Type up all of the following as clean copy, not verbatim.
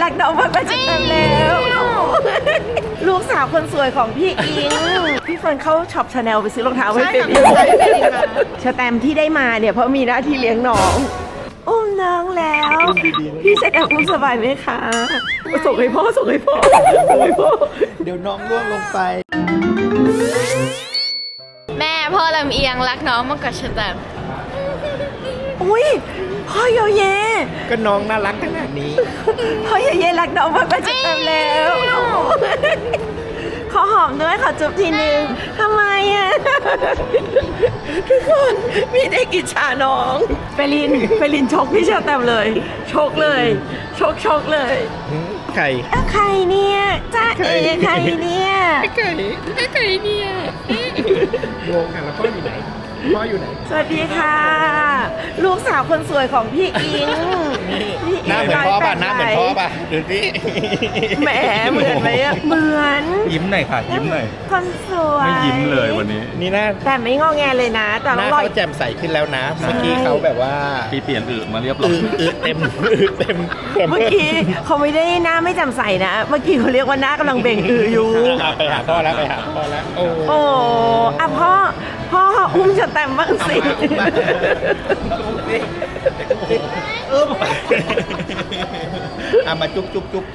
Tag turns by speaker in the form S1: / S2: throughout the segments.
S1: รักน้องมากกว่าฉันแล้วลูกสาวคนสวยของพี่อิงพี่เฟิร์นเข้าช็อปชาแนลไปซื้อรองเท้าให้เป็นชแตมที่ได้มาเนี่ยเพราะมีหน้าที่เลี้ยงน้องอุ้มน้องแล้วพี่ชแตมอุ้มสบายไหมคะส่งให้พ่อส่งให้พ่อ
S2: เดี๋ยวน้องร่วงลงไป
S3: แม่พ่อลำเอียงรักน้องมากกว่าฉันแต่
S1: อุ้ยพ่อโยเย
S2: ก็น้องน่ารักขนาดนี้
S1: พ่อโยเยรักน้องมากกว่าฉันแล้วขอหอมด้วยขอจุ๊บทีนึงทำไมอ่ะทุกคนมีได้กิจชาน้องเฟลินชกพี่ชาแตมเลยชกเลยชกเลย
S2: ไข่
S1: ใครเนี่ยจ้าเอ๋ใครเนี่ย
S2: ไข่เนี่ยโยงค่ะแล้วพ่ออยู่ไหนพ่ออยู่ไหน
S1: สวัสดีค่ะลูกสาวคนสวยของพี่อิง
S2: หน้าเหมือนพ่อป่ะหน้าเหมือนพ่อป่ะดูสิ
S1: แหมเหมือนไหมอะเหมือน
S4: ยิ้มหน่อยค่ะยิ้มหน่อย
S1: คนสวย
S4: ไม่ยิ้มเลยวันนี้
S2: นี่หน้า
S1: แต่ไม่งอแงเลยนะแต่
S2: หน้าเขาแจ่มใสขึ้นแล้วนะเมื่อกี้เขาแบบว่า
S4: เปลี่ยนมาเรียบร้อย
S2: เต็ม
S1: เมื่อกี้เขาไม่ได้หน้าไม่แจ่มใสนะเมื่อกี้เขาเรียกว่าหน้ากำลังเบ่งอยู่
S2: ไปหาพ่อแล้ว
S1: โอ้อะพ่ออุ้มจะแต้มบ้างสิ
S2: มาจุ๊บ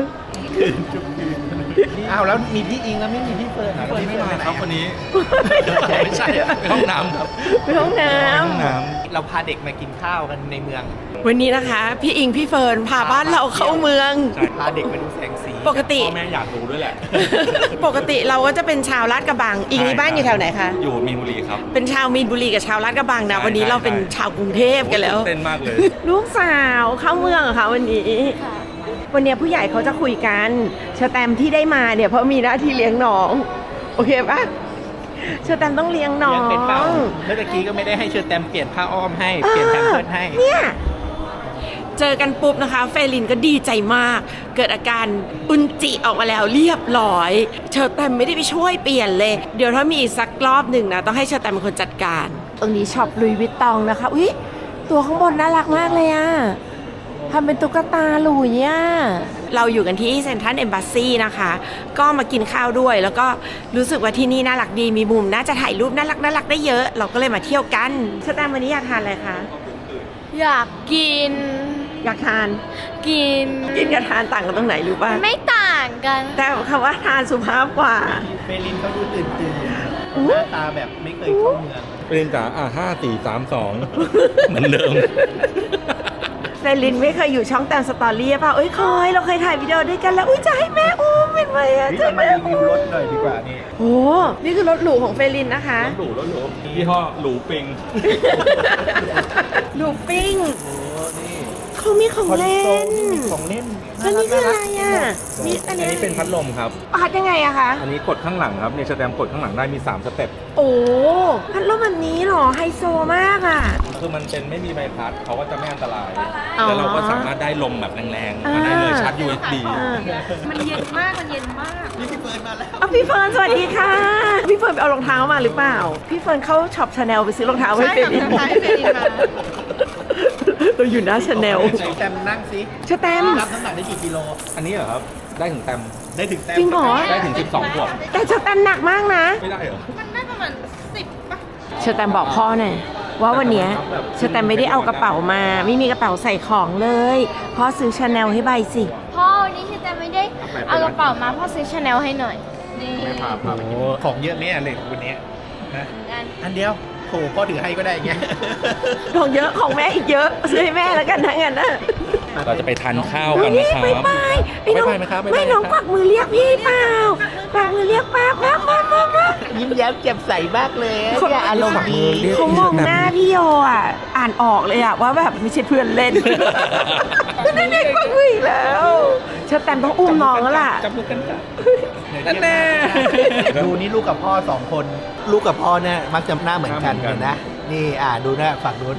S2: อ้าวแล้วมีพี่อิงแล้วไม่มีพี่เฟิร์น
S4: วันนี้ไม่มาครับวันนี้ไม่ใช่ไปห้องน้ำครับ
S1: ไปห้องน้
S2: ำเราพาเด็กมากินข้าวกันในเมือง
S1: วันนี้นะคะพี่อิงพี่เฟิร์นพาบ้านเราเข้าเมือง
S2: พาเด็กไปดูแสงสี
S1: ปกติ
S4: พ่อแม่อยากดูด้วยแหละ
S1: ปกติเราก็จะเป็นชาวลาดกระบังอิงนี่บ้านอยู่แถวไหนคะ
S4: อยู่มีนบุรีครับ
S1: เป็นชาวมีนบุรีกับชาวลาดกระบังนะวันนี้เราเป็นชาวกรุงเทพกันแล้ว
S4: เต้นมากเลย
S1: ลูกสาวเข้าเมืองค่ะวันนี้วันนี้ผู้ใหญ่เขาจะคุยกันชแตมที่ได้มาเนี่ยเพราะมีหน้าที่เลี้ยงน้องโอเคปะชแตมต้องเลี้ยงน้อง
S2: เมื่อกี้ก็ไม่ได้ให้เชอแตมเปลี่ยนผ้าอ้อมให้เปลี่ยนแพมเพิร์สให้
S1: เนี่ยเจอกันปุ๊บนะคะเฟลินก็ดีใจมากเกิดอาการอุนจิออกมาแล้วเรียบร้อยเชอแตมไม่ได้ไปช่วยเปลี่ยนเลยเดี๋ยวถ้ามีอีกสักรอบหนึ่งนะต้องให้เชอแตมเป็นคนจัดการตรงนี้ช็อปลุยวิตตองนะคะอุ๊ยตัวข้างบนน่ารักมากเลยอะทำเป็นตุ๊กตาหลุยอ่ะเราอยู่กันที่เซ็นทรัลเอมบาซีนะคะก็มากินข้าวด้วยแล้วก็รู้สึกว่าที่นี่น่ารักดีมีมุมน่าจะถ่ายรูปน่ารักได้เยอะเราก็เลยมาเที่ยวกันชแตมวันนี้อยากทานอะไรคะ
S3: อยากกิน
S1: อยากทาน
S3: กิน
S1: กับทานต่างกันตรงไหนรู้ป่ะ
S3: ไม่ต่างกัน
S1: แต่คำว่าทานสุภาพกว่า
S2: เฟลินเขาดูตื่นหน้าตาแบบไม่เคยเข้าเมือง
S4: เฟลินจ๋า5 4 3 2เหมือนเดิม
S1: เฟลินไม่เคยอยู่ช่องแตมสตอรี่ป่ะเอ้ยเคยเราเคยถ่ายวิดีโอด้วยกันแล้วอุ้ยจะให้แม่อุ้มเป็นไงอะ
S2: จะมารีวิวรถหน่อยดีกว่านี่
S1: โอ้นี่คือรถหรูของเฟลินนะคะ
S4: รถหรูยี่ห้อหรูปิง
S1: หรูปิ้งเขามีของเล่นอันนี้คืออะไรอ่ะ
S4: นี่อันนี้เป็นพัดลมครับ
S1: พัดยังไงอะคะ
S4: อันนี้กดข้างหลังครับในสแตมกดข้างหลังได้มี3สเต็ป
S1: โอ้พัดลมแบบนี้หรอไฮโซมากอ่ะ
S4: คือมันเป็นไม่มีใบพัดเขาก็จะไม่อันตรายแล้วเราก็สามารถได้ลมแบบแรงๆมาได้เลยชาร์จ USB
S3: มันเย็นมาก
S2: พี่เฟิร์นมาแล้ว
S1: พี่เฟิร์นสวัสดีค่ะพี่เฟิร์นไปเอารองเท้ามาหรือเปล่าพี่เฟิร์นเข้าช็อปชาแนลไปซื้อรองเท้าให้เฟลินมาเราอยู่หน้าชาแนล
S2: แตมนั่งสิ
S1: แตม
S2: รับน้ำหนักได้กี่กิโล
S4: อันนี้เหรอครับได้ถึงแตม
S1: จริงเหรอ
S4: ได้ถึง12 ขวบ
S1: แต่แตมหนักมากนะ
S4: ไม่ได้เหรอ
S3: มันได้ประมาณ10ป่ะ
S1: แตมบอกพ่อหน่อยว่าวันนี้แตมไม่ได้เอากระเป๋ามาไม่มีกระเป๋าใส่ของเลยพ่อซื้อชาแนลให้ใบสิ
S3: พ่อวันนี้แตมไม่ได้เอากระเป๋ามาพ่อซื้อชาแนลให้หน่อย
S4: นี่ไม่พา
S2: ของเยอะไหมอะไรวันนี้นะอันเดียวโถพ่อถือให้ก็ได้เงี้ย
S1: ของเยอะของแม่อีกเยอะซื้อให้แม่แล้วกันทั้งนั้นนะ
S4: เราจะไปทานข้าวกันนะครับ
S1: ไม่น้องกวักมือเรียกพี่เปล่ากวักมือเรียกป้า
S2: ยิ้มแย้มแจ่มใสมากเลยเนี่ยอารมณ์ดี
S1: เขามองหน้าพี่โยอ่ะอ่านออกเลยอ่ะว่าแบบไม่ใช่เพื่อนเล่นนั่นเองกวักมืออีกแล้วเชอแตมต้องอุ้มน้องแล้วล่ะ
S2: จับมือกันแน่ดูนี่ลูกกับพ่อ2 คนลูกกับพ่อเนี่ยมักจะหน้าเหมือนกันนะนี่ดูนะฝั่งนู้น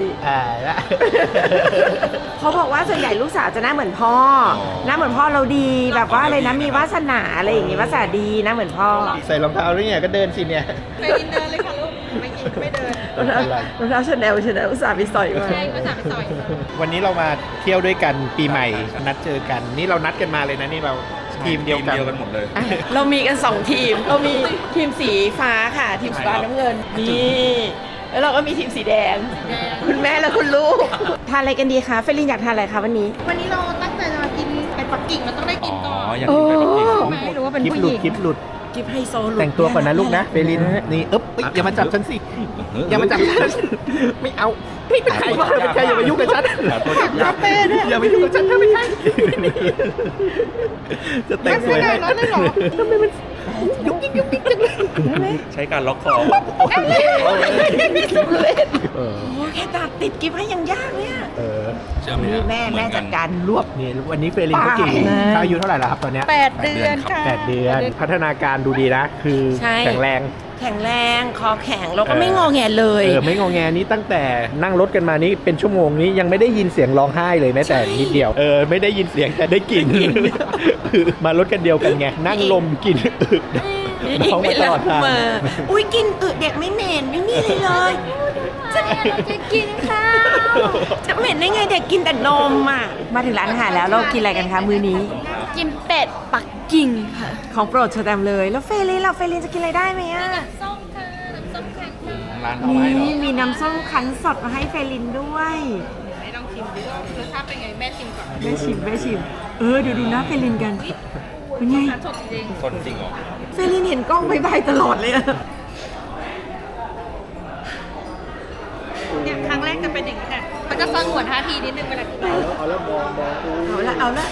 S1: เขาบอกว่าส่วนใหญ่ลูกสาวจะหน้าเหมือนพ่อหน้าเหมือนพ่อเราดีแบบว่าอะไรนะมีวาสนาอะไรอย่างงี้วาสนาดีนะเหมือนพ่อ
S2: ใส่รองเท้าด้วยเนี่ยก็เดินสิเนี่ย
S3: ไปกินเดินเลยค่ะลูกไม่กินไม่เดิน
S1: รองเท้าชาแนลอุตส่าห์ไปสอยมา
S3: ใช่ก็สั่งสอย
S2: วันนี้เรามาเที่ยวด้วยกันปีใหม่นัดเจอกันนี่เรานัดกันมาเลยนะนี่เราทีมเดียวกัน
S4: หมดเลย
S1: อ่ะเรามีกัน 2 ทีม เรามีทีมสีฟ้าค่ะ ทีมสีฟ้าน้ำเงิน นี่ แล้วเราก็มีทีมสีแดง คุณแม่และคุณลูก ทานอะไรกันดีคะ เฟรลินอยากทานอะไรคะวันนี้
S3: วันนี้เราตั้งใจจะมากินเป็ดปักกิ่งเราต้องได้กินก่อน
S4: อย่างนี้ไปปักกิ่ง
S3: ไม่รู้ว่าเป็น
S2: คลิป
S3: ผู้
S2: ห
S3: ห
S2: ลุด
S3: ญิง
S2: คลิปหลุด
S1: กิฟไฮโซหลุด
S2: แต่งตัวก่อนนะลูกนะเฟลินนี่เอ๊บเอ้ยอย่ามาจับฉันสิอย่ามาจับฉันไม่เอาไม่เป็นใครวะเป็นใครอย่ามายุ่งกับฉันอย่าเป้ด้วยอย่ามายุ่งกับฉันถ้าไม่ใช่จะแต่งสวยให้ทำไมมันยุกยิกยุกยิกจังเลย
S4: ใช้การล็อกคอ
S1: สุดเลยโอ้แค่ตัดติดกิฟให้ยังยากเนี่ย
S4: เชื่อไหม
S1: นี่แม่จัดการรวบ
S2: นี่วันนี้เฟลินเขากี่เขาอายุเท่าไหร่แล้วครับตอนเนี้ย
S3: 8 เดือนค่ะ
S2: 8 เดือนพัฒนาการดูดีนะ คือ
S1: ใช่
S2: แข็งแรง
S1: แข็งแรงคอแข็งแล้วก็ไม่งอแงเลย
S2: ไม่งอแงนี้ตั้งแต่นั่งรถกันมานี่เป็นชั่วโมงนี้ยังไม่ได้ยินเสียงร้องไห้เลยแม้แต่นิดเดียวไม่ได้ยินเสียงแต่ได้กลิ่นคือมารถกันเดียวกันไงนั่งลมกลิ่นอึด
S1: อีก
S2: ท้อง
S1: ไม่
S2: มาต
S1: รั
S2: ลอดทาง
S1: มาอุ้ยกินอึเด็กไม่เหม็นไม่มีอะไรเลย
S3: จะกินข้าว
S1: จะเหม็นได้ไงเด็กกินแต่นมอ่ะมาถึงร้านอาหารแล้วเรากินอะไรกันคะมื้อนี้
S3: กินเป็ดปักกิ่งค่ะ
S1: ของโปรดเชอแตมเลยแล้วเฟรลินจะกินอะไรได้ไหมอ่ะ
S3: ส้มค่ะน้ำส้มแข็งค่ะ
S4: ร้านเขาให้เหรอ
S1: นี่มีน้ำส้มคั้นสดมาให้เฟรลินด้วย
S3: ไม่ต้องชิมดูว่ารสชาติเป็นไงแม่ชิมก่อน
S1: แม่ชิมดูหน้าเฟรลินกันเป็นไง
S3: สดจริง
S4: คนจริงเหรอ
S1: เฟรลินเห็นกล้องบายตลอดเลยอะ
S3: เนี่ยครั้งแรกจะเป็นอย่างนี้แหละมันจะสงวนท่าทีนิดนึงเวลากิน
S2: เอาแล้วมอง
S1: เอาละ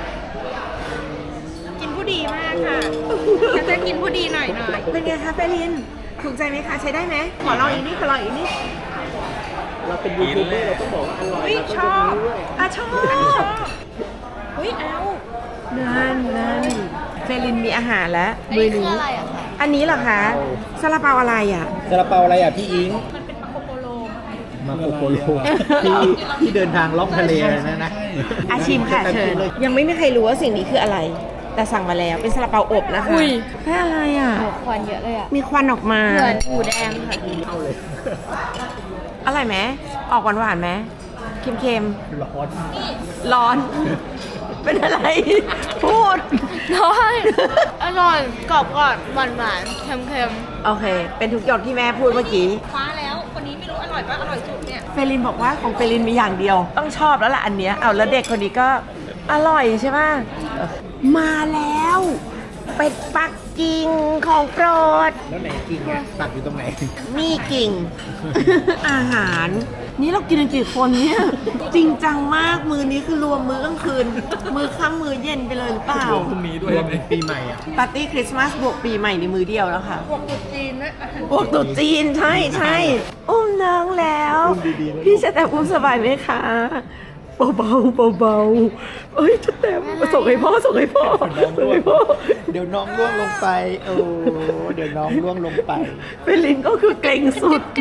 S3: กินผู้ดีมากค่ะฉันจะกินผู้ดีหน่อย
S1: เป็นไงคะเฟรลินถูกใจไหมคะใช้ได้ไหมขอลองอีกนิด
S2: เราเป็นยูทูบเบอร์เราต้องบอกว่าอร่อย
S3: อุ้ยชอบ
S1: อ่ะชอบ
S3: อุ้ยเอา
S1: นั่นเฟรลินมีอาหารแล้วมื้อนี้
S3: อะไรอะคะ
S1: อันนี้เหรอคะซาลาเปาอะไรอ่ะ
S2: ซาลาเปาอะไรอ่ะพี่อิง
S3: มันเป็นมาโคโปโล
S2: มาโคโปโลที่เดินทางล่องทะเลนะ
S1: อาชิมค่ะเชิญยังไม่มีใครรู้ว่าสิ่งนี้คืออะไร แต่สั่งมาแล้วเป็นซาลาเปาอบนะคะแค่อะไรอ่ะ
S3: ควันเยอะเลยอะ
S1: มีควันออกมา
S3: เหมือนหมูแดงค่ะ
S1: อร่อยไหมออกหวานๆไหมเค็ม
S2: ร้อน
S1: ๆร้อน เป็นอะไร พูด
S3: อร่อยกรอบก่อนหวานหวานเค็ม
S1: โอเค เป็นทุกหยดที่แม่พูดเมื่อกี้
S3: ๆฟ้าแล้วคนนี้ไม่รู้อร่อยป่ะอร่อยสุดเนี่ย
S1: เฟรลินบอกว่าของเฟรลินมีอย่างเดียว ต้องชอบแล้วล่ะอันเนี้ยเอาแล้วเด็กคนนี้ก็อร่อยใช่ไหมมาแล้ว เป็ดปักกิ่งของโปรด
S2: แล้วไหนกิ่งอ่ะตัดอยู่ตรงไหน
S1: นี่กิ่ง อาหาร นี่เรากินกันกี่คนเนี่ย จริงจังมากมือนี้คือรวมมื้อกลางคืน มือค่ำมือเย็นไปเลยหรือเปล่า
S4: พรุ่งนี้ด้วย
S2: รวมเป็นปีใหม่อ่ะ
S1: ปาร์ตี้คริสต์มาสบวกปีใหม่ในมือเดียวแล้วค่ะ
S3: พวกตุ๊ดจีนด้วย
S1: บวกตุ๊จีนใช่อุ้มน้องแล้ว พี่จะแต่อุ้มสบายไหมคะเบาเอ้ยจะแต่ส่งให้พ่อ
S2: เดี๋ยวน้องล่วงลงไปโอ้เดี๋ยวน้องล่วงลงไป
S1: เฟลินก็คือเกรงสุด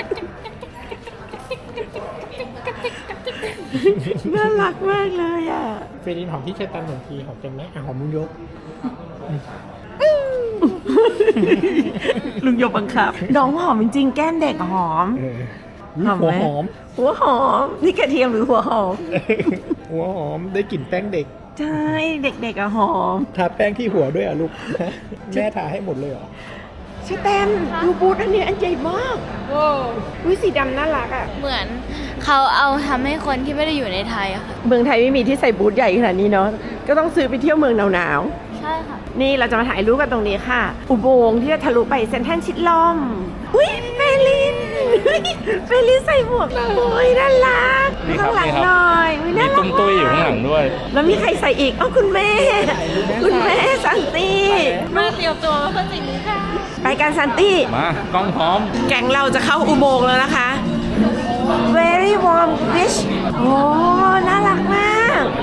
S1: น่ารักมากเลยอ่ะ
S2: เฟรนหอมที่เชตันหนึ่งทีหอมเป็นไหมหอมมุ้งยก
S1: ลุงโยบังคับ น้องหอมจริงๆแก้มเด็กหอม หอมไหม หัวหอม นี่กระเทียมหรือหัวหอม
S2: หัวหอมได้กลิ่นแป้งเด็ก
S1: ใช่ เด็กๆอะหอม
S2: ทาแป้งที่หัวด้วยอ่ะลูก แม่ทาให้หมดเลยเหรอ
S1: ชแตมดูบูธอันนี้อันใหญ่มาก
S3: โอ้
S1: อุ้ยสีดำน่ารักอ่ะ
S3: เหมือนเขาเอาทำให้คนที่ไม่ได้อยู่ในไทยอะค่ะ
S1: เมืองไทยไม่มีที่ใส่บูธใหญ่ขนาดนี้เนาะ ก็ต้องซื้อไปเที่ยวเมืองหนาว
S3: ใช่ค่ะ
S1: ๆ นี่เราจะมาถ่ายรูปกันตรงนี้ค่ะ อุโมงค์ที่จะทะลุไปเซ็นทรัลชิดลม อุ้ยเฟลินเฟลินใส่หมวกเลยน่ารัก
S4: นี่ครับ
S1: ข้างหลัง
S4: นี่ครับ
S1: หน่อยอุ๊ย
S4: มี
S1: น่ารั
S4: ตุ้มตุ้ยอยู่ข้างหลังด้วย
S1: แล้วมีใครใส่อีกคุณแม่ คุณแม่ซันตี้
S3: มาเตรียมตัวเพื่อสิ่งนี้ค่ะ
S1: ไปกันซันตี้
S4: มากล้องพร้อม
S1: แก๊งเราจะเข้าอุโมงค์แล้วนะคะ very warm beach โอ้ น่ารักมาก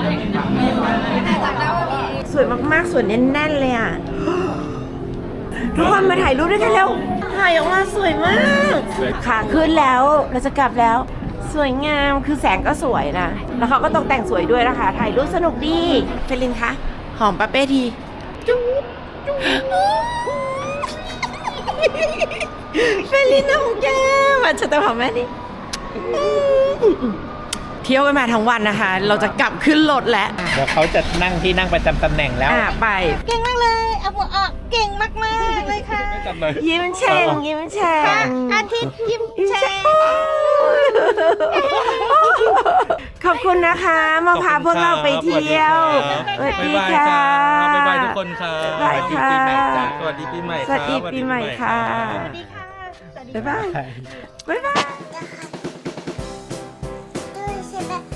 S1: สวยมากๆ สวยแน่นๆ เลยอ่ะ ทุกคนมาถ่ายรูปด้วยกันเร็ว ถ่ายออกมาสวยมาก ขาขึ้นแล้ว เราจะกลับแล้ว สวยงาม คือแสงก็สวยนะ แล้วเขาก็ตกแต่งสวยด้วยนะคะ ถ่ายรูปสนุกดีเฟลินคะ หอมปาเป้ที จุ๊บเฟรลินน้องแก้มมาจะแต่ของแม่นี่เที่ยวกันมาทั้งวันนะคะ เราจะกลับขึ้นรถแล้ว
S2: เดี๋ยวเขาจะนั่งที่นั่งประจำตำแหน่งแล้ว
S1: ไป
S3: เก่งมากเลยเอาหัวออกเก่งมากๆเลยค่ะ
S4: ไม่จำเลย
S1: ยิ้มแฉ่งยิ้มแฉ่ง
S3: อาทิตย์ยิ้มแฉ่ง
S1: ขอบคุณนะคะมาพาพวกเราไปเที่ยวสวัสดีค่ะ
S4: บ๊ายบายทุกคนค่ะ
S1: บ๊ายบายค่ะ
S4: สวัสดีปีใหม่
S1: สวัสดีปีใหม่ค่ะ
S3: สวัสดีค่ะสวัสดี
S1: บ๊ายบายบ๊ายบาย
S5: ด้วยใช่ไหม